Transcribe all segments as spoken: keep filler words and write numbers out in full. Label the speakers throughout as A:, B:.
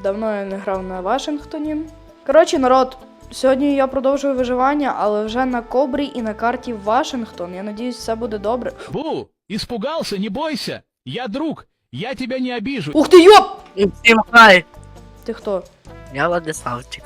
A: Давно я не грав на Вашингтоні. Коротше, народ, сьогодні я продовжую виживання, але вже на Кобрі і на карті Вашингтон. Я надіюсь, все буде добре.
B: Бу, испугался, не бойся. Я друг, я тебя не обижу.
A: Ух ти, йоп!
C: Всім хай!
A: Ти хто?
C: Я Владиславчик.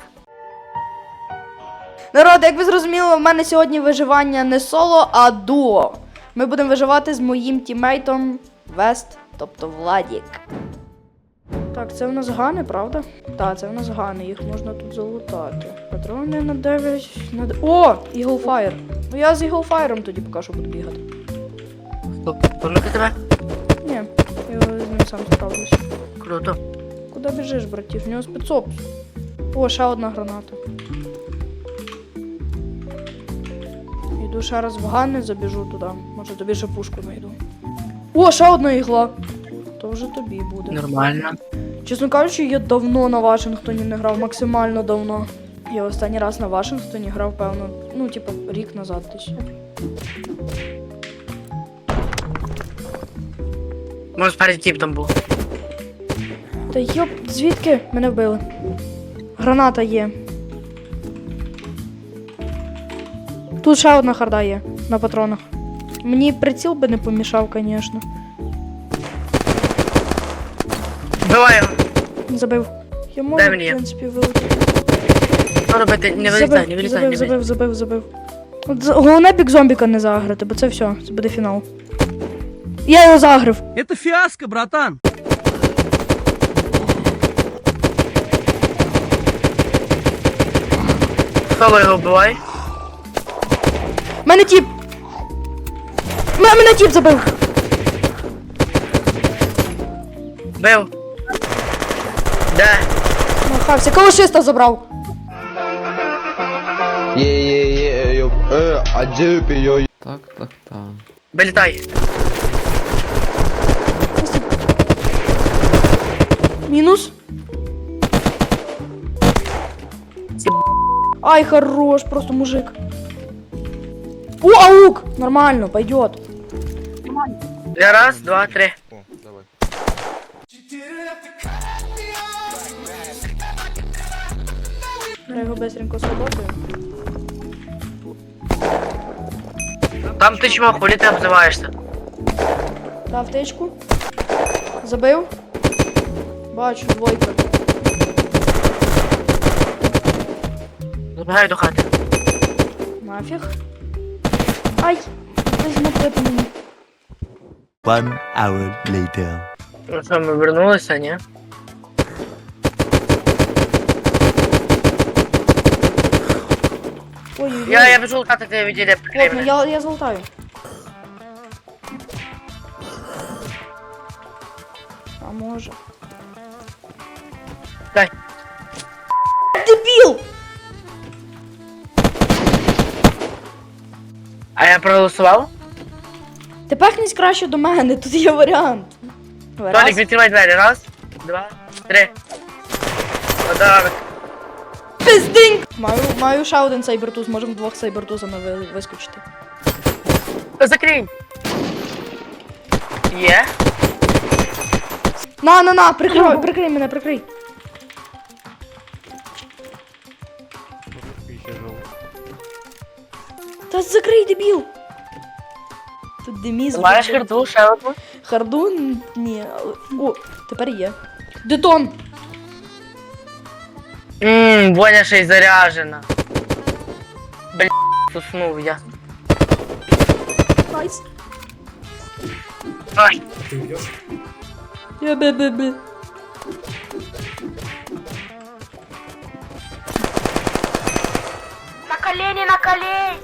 A: Народ, як ви зрозуміли, в мене сьогодні виживання не соло, а дуо. Ми будемо виживати з моїм тіммейтом Вест, тобто Владік. Так, це в нас гани, правда? Так, це в нас гани, їх можна тут залутати. Патрони на дев'ять... На... д- О! Іглфайр. Ну я з Іглфайром тоді поки що буду бігати.
C: Хто? Помните тебе?
A: Ні, я з ним сам справлюся.
C: Круто.
A: Куди біжиш, братів? У нього спецоп. О, ще одна граната. Йду ще раз в гани, забіжу туди. Може тобі ще пушку знайду. О, ще одна ігла. То вже тобі буде.
C: Нормально.
A: Чесно кажучи, я давно на Вашингтоні не грав, максимально давно. Я останній раз на Вашингтоні грав, певно, ну, типу, рік назад десь.
C: Може спереді тіп там був.
A: Та йоп, звідки мене вбили? Граната є. Тут ще одна харда є на патронах. Мені приціл би не помішав, звісно.
C: Вбивай його.
A: Забив. Я можу,
C: Дай
A: в
C: мені.
A: принципі, вилетіти.
C: Що робити? Не вилітай, не вилітай,
A: забив,
C: не
A: забив,
C: вилітай.
A: забив, забив. От за- головне бік зомбіка не заграти, бо це все, це буде фінал. Я його загрив.
D: Это фиаско, братан.
C: Хто його вбивай?
A: Мене тіп! М- Мене тіп забив!
C: Бив. Де?
A: Махався, калашиста забрав!
E: Є-є-є, йоп, е, а джипі, йо.
F: Так, так, так.
C: Вилітай.
A: Мінус.
C: Ці
A: Ай, хорош, просто мужик. О, аук! Нормально, пойдет.
C: Я раз, два, три.
A: Я його быстренько сработаю.
C: Там ти чмо, хулі ти обзиваєшся?
A: Дав тичку. Забив. Бачу, двойка.
C: Забігай до хати.
A: Нафіг. Ай! Візьму плити мені.
G: One hour later.
C: Ну що, ми вернулися, ні?
A: Ой-ой-ой.
C: Я, я біжу лутати тебе відділі, прикрий
A: Ладно,
C: мене.
A: я, я золотаю. А може.
C: Дай.
A: Дебіл!
C: А я проголосував?
A: Ти пахнись краще до мене, тут є варіант.
C: Толік,
A: Раз.
C: відкривай двері. Раз, два, три. Подарок.
A: Пиздинь! Маю, маю ще один сайбертуз, можемо двох сайбертузами ви, вискочити.
C: Закрий. Є.
A: На, на, на, прикрий, прикрий мене, прикрий. Та закрий, дебіл! Тут деміз.
C: Маєш харту, ще одну?
A: Харду? Н- Ні. але- О, тепер є. Детон!
C: Ммм, Боня ще й заряжена. Бля, уснув я.
A: Найс.
C: Ай,
A: Я бе-бе-бе.
C: на колені, на колені.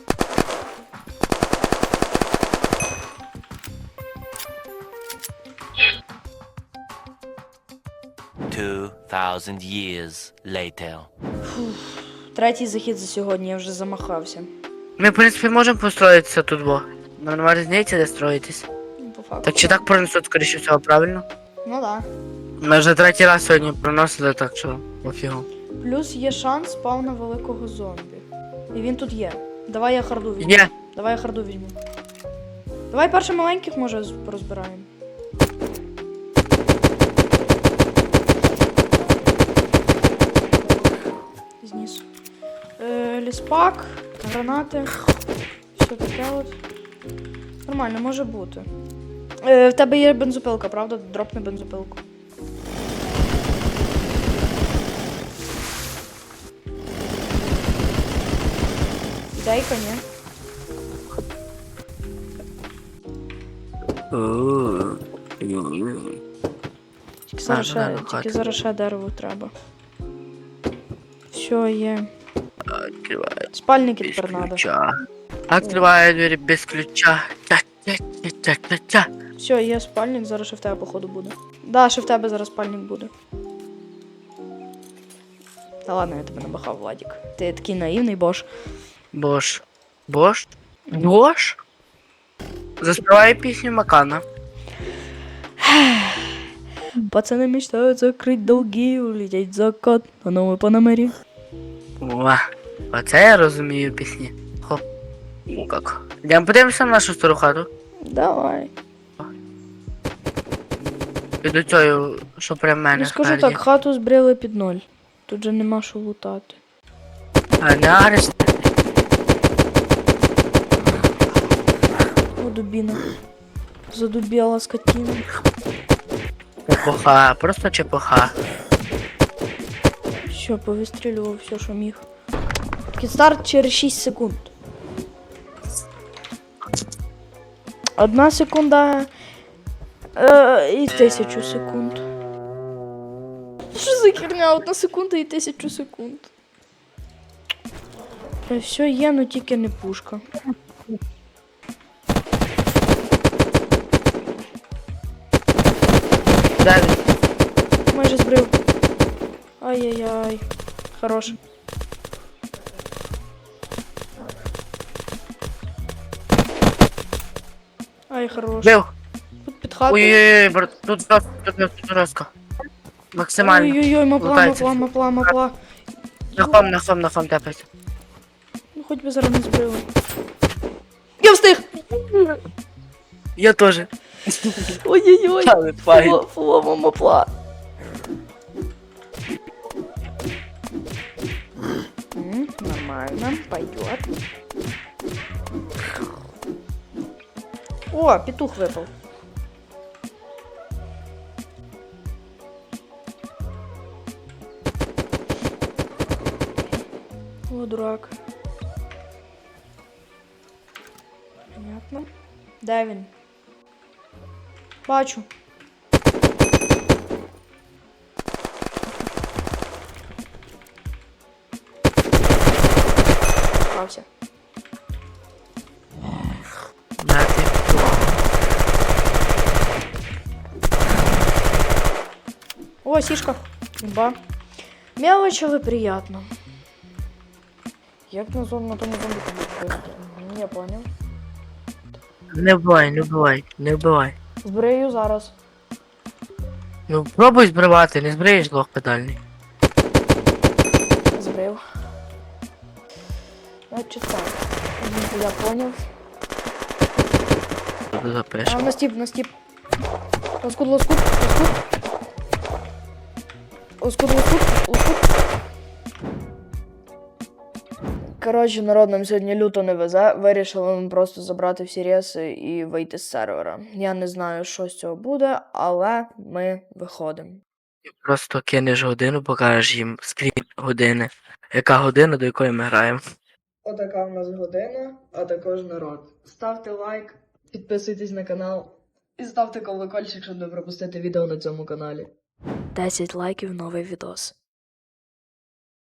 G: Two thousand years later.
A: Третій захід за сьогодні, я вже замахався.
C: Ми, в принципі, можемо построїтися тут, бо. Нормально різниця, де строїтись.
A: Ну, по факту.
C: Так чи так пронесуть, скоріше всього, правильно?
A: Ну да.
C: Ми вже третій раз сьогодні проносили, так що пофігу.
A: Плюс є шанс спавна великого зомбі. І він тут є. Давай я харду візьму.
C: Є.
A: Давай я харду візьму. Давай перше маленьких, може, з- порозбираємо. спак, гранати. Все таке от. Нормально, може бути. Е, в тебе є бензопилка, правда? Дропни бензопилку. Дейка, ні? Тільки зараз, ще,
C: Ладно,
A: тільки
C: хати.
A: зараз ще дерево треба. Все є.
C: Открывает
A: Спальники
C: без
A: тепер треба.
C: ключа. Открываю двери без ключа. Тя-тя-тя-тя-тя.
A: Все, є спальник, зараз ще в тебе, походу, буде. Да, ще в тебе зараз спальник буде. Та ладно, я тебе набахав, Владік. Ти такий наївний, бош.
C: Бош. Бош? Бош? Заспевай песню Макана.
A: Пацаны мечтают закрыть долги, улететь в закат на новой Панамері.
C: О, оце я розумію пісні. Хоп. Ну как. Йдемо подивимося на нашу стару хату.
A: Давай.
C: І до цього, що прям мене
A: Ну скажу
C: спереді.
A: так, хату збрили під ноль. Тут же нема що лутати.
C: А не арест.
A: О, дубіна. Задубіла скотина.
C: Чепуха, просто чепуха.
A: Все, повистрілював все, що міг. Кідстарт через шість секунд. Одна секунда е, і тисячу секунд. Що за херня? Одна секунда і тисячу секунд. Е, Все є, но тільки не пушка.
C: Де він?
A: Майже збрив. Ай-яй-яй. Хорош. Ай, хорош.
C: Бив.
A: Тут під хатою.
C: Ой-ой-ой, брат, тут жорстко, тут жорстко, тут жорстко. Максимально.
A: Ой-ой-ой, мапла,
C: Лутається.
A: мапла, мапла, мапла.
C: На хом, на хом, на хом тепається.
A: Ну хоч би зараз не збрили. Я встиг!
C: Я теж.
A: Ой-ой-ой.
C: Але файн.
A: Фуло- Фулова мапла. М, Нормально, пойдет. О, петух выпал. О, дурак. Понятно. Де він? Бачу. Попався.
C: На ти.
A: О, сишка. Ба. Мелочь, але приятно. Як на зон на тому зомбі побити? Я понял.
C: Не вбивай, не вбивай, не вбивай.
A: Збрию зараз.
C: Ну пробуй збривати, не збриєш лох педальний.
A: Збрив. Значить так. Мгм, я понял.
C: Тут запишемо.
A: А, на стіп, на стіп. Лоскут, лоскут, лоскут. Лоскут, лоскут, лоскут. Коротше, народ, нам сьогодні люто не везе. Вирішили ми просто забрати всі реси і вийти з сервера. Я не знаю, що з цього буде, але ми виходимо.
C: Просто кинеш годину, покажеш їм скрін години. Яка година, до якої ми граємо.
A: Отака в нас година, а також народ. Ставте лайк, підписуйтесь на канал і ставте колокольчик, щоб не пропустити відео на цьому каналі. десять лайків, новий відос.